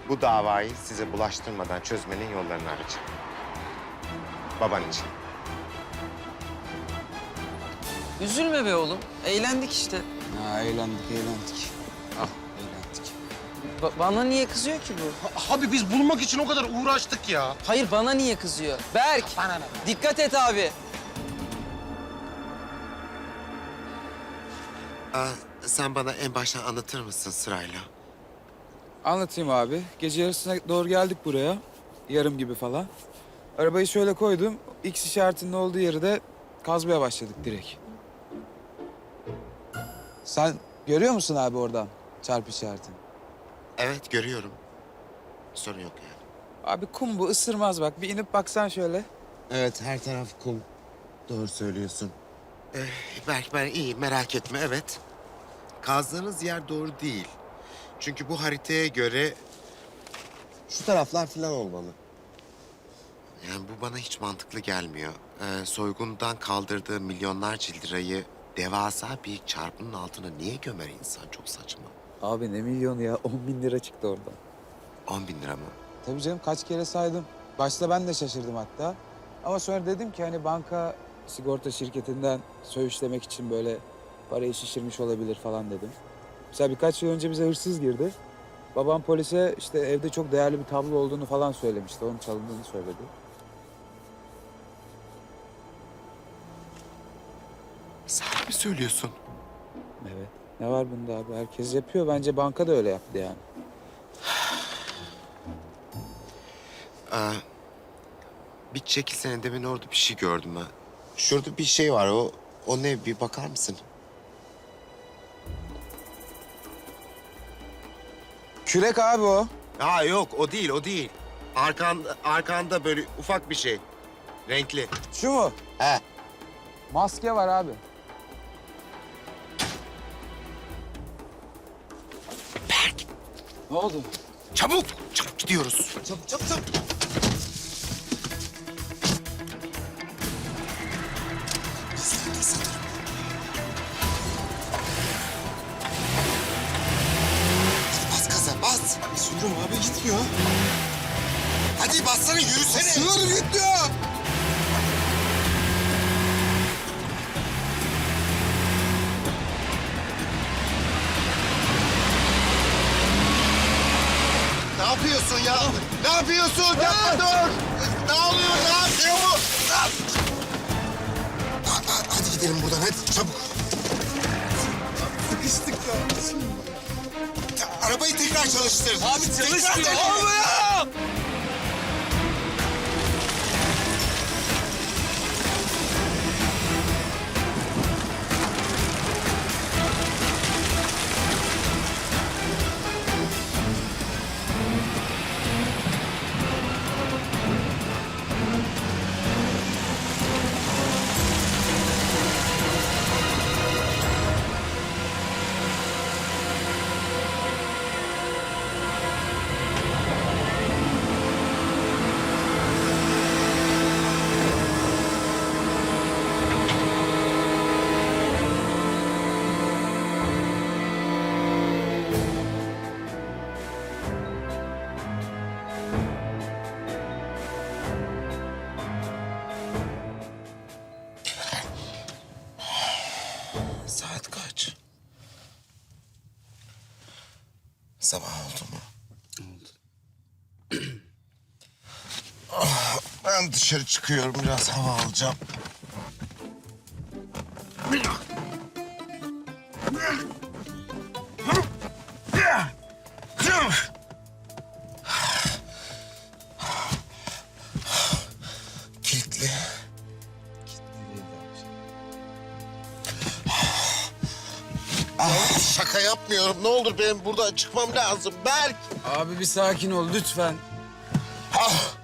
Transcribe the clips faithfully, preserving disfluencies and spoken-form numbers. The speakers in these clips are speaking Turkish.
Bu davayı size bulaştırmadan çözmenin yollarını arayacağım. Baban için. Üzülme be oğlum. Eğlendik işte. Ha, eğlendik, eğlendik. Ah, eğlendik. Ba- bana niye kızıyor ki bu? Abi biz bulmak için o kadar uğraştık ya. Hayır, bana niye kızıyor? Berk, Bana ne? dikkat et abi. Aa, sen bana en baştan anlatır mısın sırayla? Anlatayım abi. Gece yarısına doğru geldik buraya. Yarım gibi falan. Arabayı şöyle koydum. X işaretinin olduğu yeri de kazmaya başladık direkt. Sen görüyor musun abi oradan çarpı işaretini? Evet, görüyorum. Sorun yok yani. Abi kum bu, ısırmaz bak. Bir inip baksan şöyle. Evet, her taraf kum. Doğru söylüyorsun. Ee, Berk, ben iyi, merak etme, evet. Kazdığınız yer doğru değil. Çünkü bu haritaya göre şu taraflar falan olmalı. Yani bu bana hiç mantıklı gelmiyor. Ee, soygundan kaldırdığı milyonlarca lirayı devasa bir çarpının altına niye gömer insan? Çok saçma. Abi ne milyonu ya? on bin lira çıktı oradan. On bin lira mı? Tabii canım, kaç kere saydım. Başta ben de şaşırdım hatta. Ama sonra dedim ki hani banka sigorta şirketinden söğüşlemek için böyle parayı şişirmiş olabilir falan dedim. Mesela birkaç yıl önce bize hırsız girdi. Babam polise işte evde çok değerli bir tablo olduğunu falan söylemişti. Onun çalındığını söyledi. Sahi mi söylüyorsun? Evet. Ne var bunda abi? Herkes yapıyor. Bence banka da öyle yaptı yani. Aa, bir çekilsene, demin orada bir şey gördüm ha. Şurada bir şey var, o, o ne? Bir bakar mısın? Kürek abi o. Ha yok, o değil, o değil. Arkanda, arkanda böyle ufak bir şey. Renkli. Şu mu? He. Maske var abi. Berk, Ne oldu? çabuk, çabuk gidiyoruz. Çabuk çabuk çabuk. Bas gaza, bas. Sürüm abi, gitmiyor. Hadi bassana, yürüsene. Sürüm gitmiyor. Ne yapıyorsun ya? Ne yapıyorsun? Yapma, dur. Ne oluyor? Ne yapıyor bu? Hadi gidelim buradan, hadi çabuk. Sıkıştık ya. Arabayı tekrar çalıştır. Abi çalışmıyor. Tekrar- Olmuyor. Saat kaç? Sabah oldu mu? Oldu. Ah, ben dışarı çıkıyorum, biraz hava alacağım. Kilitli. Ah, şaka yapmıyorum. Ne olur benim buradan çıkmam lazım. Berk! Abi bir sakin ol lütfen. Ah!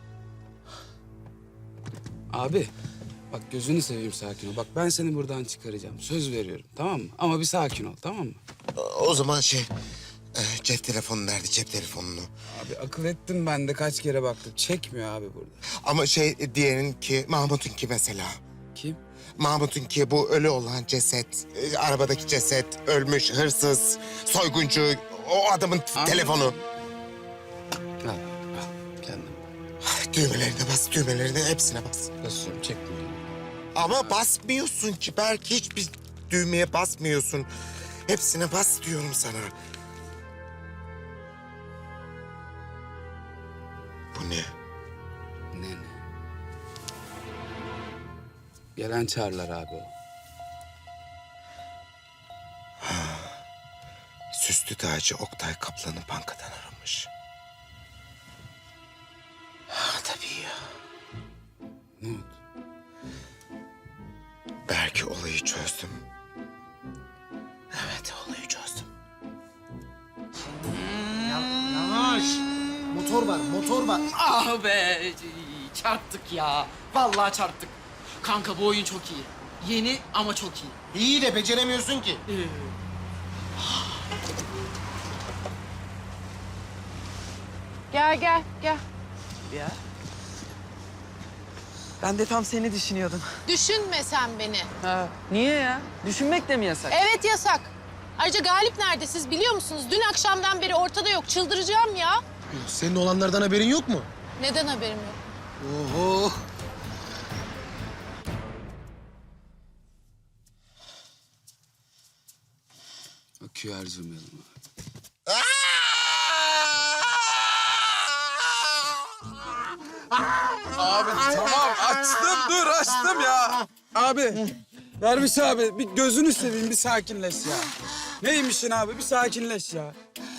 Abi bak gözünü seveyim, sakin ol. Bak ben seni buradan çıkaracağım. Söz veriyorum, tamam mı? Ama bir sakin ol, tamam mı? O zaman şey... e, cep telefonu nerede? Cep telefonunu. Abi akıl ettim, ben de kaç kere baktım. Çekmiyor abi burada. Ama şey, diğerinki, Mahmut'unki mesela. Kim? Mahmut'unki bu ölü olan ceset, e, arabadaki ceset, ölmüş hırsız, soyguncu, o adamın t- Abi. telefonu. Düğmelerine bas, düğmelerine hepsine bas. Basıyorum, çektim. Ama basmıyorsun ki Berk. Hiçbir düğmeye basmıyorsun. Hepsine bas diyorum sana. Bu ne? Ne ne? Gelen çağrılar abi o. Süslü tacı Oktay Kaplan'ı bankadan aramış. Ha, tabii ya. Ne oldu? Belki olayı çözdüm. Evet, olayı çözdüm. Yavaş. Motor var, motor var. Ah be çarptık ya. Vallahi çarptık. Kanka bu oyun çok iyi. Yeni ama çok iyi. İyi de beceremiyorsun ki. Ee, Gel gel gel. Ya. Ben de tam seni düşünüyordum. Düşünme sen beni. Ha, niye ya? Düşünmek de mi yasak? Evet yasak. Ayrıca Galip nerede siz biliyor musunuz? Dün akşamdan beri ortada yok. Çıldıracağım ya. Senin olanlardan haberin yok mu? Neden haberim yok? Oho. Aküyü harcamayalım abi. Abi tamam açtım dur açtım ya. Abi Derviş abi bir gözünü seveyim bir sakinleş ya. Neymişsin abi bir sakinleş ya.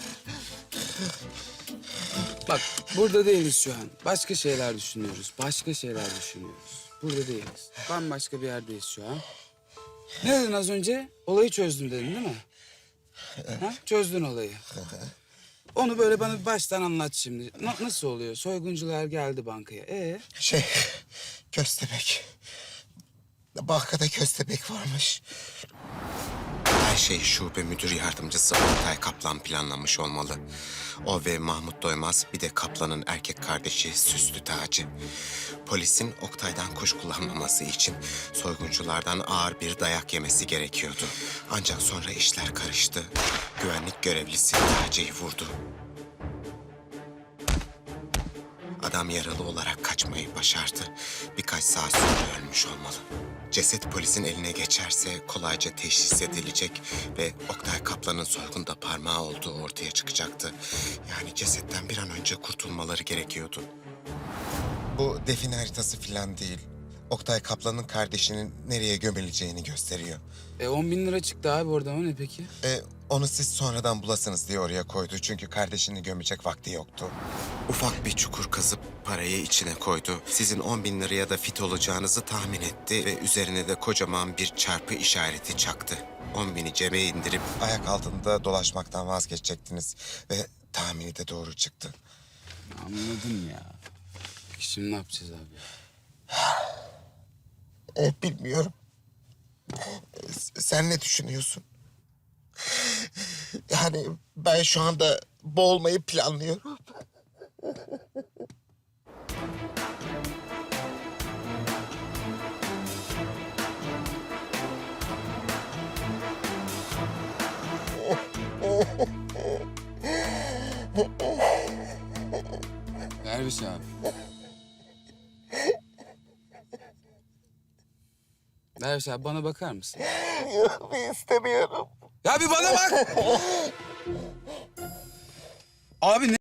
Bak burada değiliz şu an. Başka şeyler düşünüyoruz. Başka şeyler düşünüyoruz. Burada değiliz. Bambaşka bir yerdeyiz şu an. Ne dedin az önce? Olayı çözdüm dedin değil mi? Ha? Çözdün olayı. Onu böyle bana bir baştan anlat şimdi. Na- nasıl oluyor? Soyguncular geldi bankaya. Ee? Şey, köstebek. Bankada köstebek varmış. Her şeyi şube müdür yardımcısı Oktay Kaplan planlamış olmalı. O ve Mahmut Doymaz, bir de Kaplan'ın erkek kardeşi Süslü Taci. Polisin Oktay'dan kuş kullanmaması için soygunculardan ağır bir dayak yemesi gerekiyordu. Ancak sonra işler karıştı. Güvenlik görevlisi Taci'yi vurdu. Adam yaralı olarak kaçmayı başardı. Birkaç saat sonra ölmüş olmalı. Ceset polisin eline geçerse kolayca teşhis edilecek ve Oktay Kaplan'ın soygunda parmağı olduğu ortaya çıkacaktı. Yani cesetten bir an önce kurtulmaları gerekiyordu. Bu define haritası falan değil. Oktay Kaplan'ın kardeşinin nereye gömüleceğini gösteriyor. E on bin lira çıktı abi oradan o ne peki? E, onu siz sonradan bulasınız diye oraya koydu. Çünkü kardeşini gömecek vakti yoktu. Ufak bir çukur kazıp parayı içine koydu. Sizin on bin liraya da fit olacağınızı tahmin etti ve üzerine de kocaman bir çarpı işareti çaktı. On bini cebe indirip ayak altında dolaşmaktan vazgeçecektiniz ve tahmini de doğru çıktı. Anladım ya. Peki şimdi ne yapacağız abi? E, bilmiyorum. E, sen ne düşünüyorsun? Yani ben şu anda boğulmayı planlıyorum. Derviş abi. Derviş abi bana bakar mısın? Yok, istemiyorum. Ya bir bana bak! Abi ne?